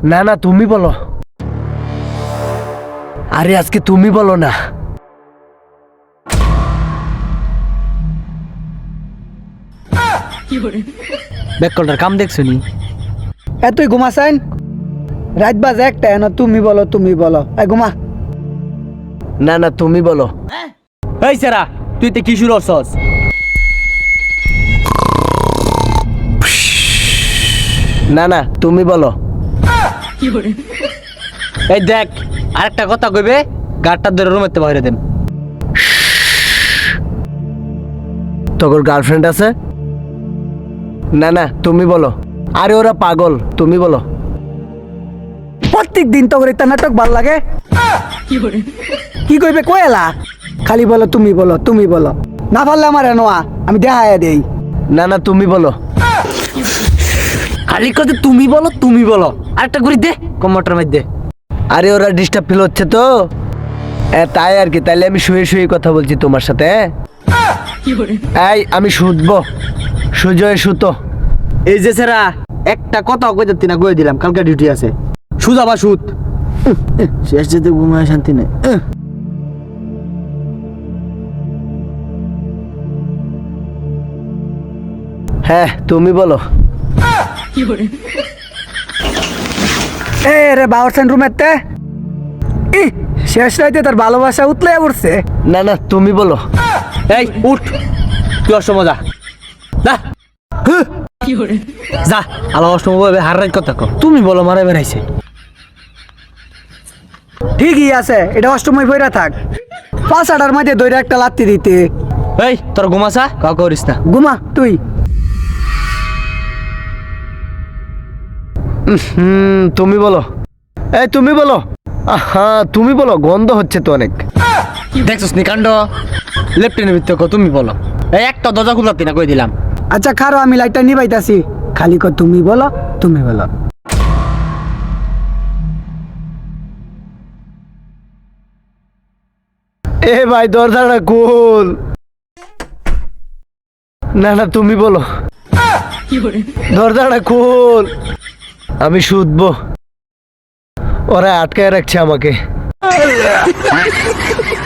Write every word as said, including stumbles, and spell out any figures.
না না তুমি বলো। আরে আজকে তুমি বলো না। ব্যাককলটার কাম দেখছো নি? এতই ঘুমাছেন রাত বাজে একটা এন তুমি বলো তুমি বলো এই ঘুমা। না না তুমি বলো। এই সেরা তুই তে কি শুরু করছস? না না তুমি বলো। এই দেখ আরেকটা কথা কইবে গাড়টা ধরে রুমেতে বাইরে দেন। তোর গার্লফ্রেন্ড আছে? না না তুমি বলো। আরে ওরা পাগল, তুমি বলো। প্রত্যেক দিন তো একটা নাটক ভাল লাগে। কি কইবে কয়লা খালি বলো তুমি বলো তুমি বলো। না পারলে আমার এনোয়া আমি দেখাইয়া দেই। না না তুমি বলো। খালি কথা তুমি বলো তুমি বলো। আরেকটা করে দে কম্পিউটার মধ্যে। আরে ওরা ডিস্টার্ব ফিল হচ্ছে তো এ, তাই আর কি। তাইলে আমি শুয়ে শুয়ে কথা বলছি তোমার সাথে। এই আমি শুতবো, সুজয় সুতো। এই যে সেরা একটা কথা কইতে না কই দিলাম, কালকে ডিউটি আছে। সুজা বা সুত শেষ যেতে ঘুমায় শান্তি নেই। হ্যাঁ তুমি বলো। এ রে বাউরসেন রুমেতে ই শেষ রাইতে তার ভালোবাসা উতলে পড়ছে। না না তুমি বলো। এই উঠ তুই অসময় যা যা যা আলো অসময় হার রাত কথা কো। তুমি বলো মারা বেড়াইছে। ঠিকই আছে এটা অষ্টময় বইরা থাক। পাঁচ আটার মাঝে দইরা একটা লাত্তি দিতে। এই তোর ঘুমাসা কাউ করিস না। ঘুমা তুই। হুম তুমি বলো। এই তুমি বলো। হ্যাঁ তুমি বলো, গন্ধ হচ্ছে তো অনেক। দেখছিস নি কাণ্ড? লেফটেনের ভিতরে কো তুমি বলো। এই একটা দরজা খুলতে না কই দিলাম। আচ্ছা খারো আমি লাইটটা নিবাইতাছি। খালি কো তুমি বলো তুমি বলো। এ ভাই দরজাটা খোল। না না তুমি বলো। দরজাটা খোল, আমি শুধবো। ওরা আটকায় রাখছে আমাকে।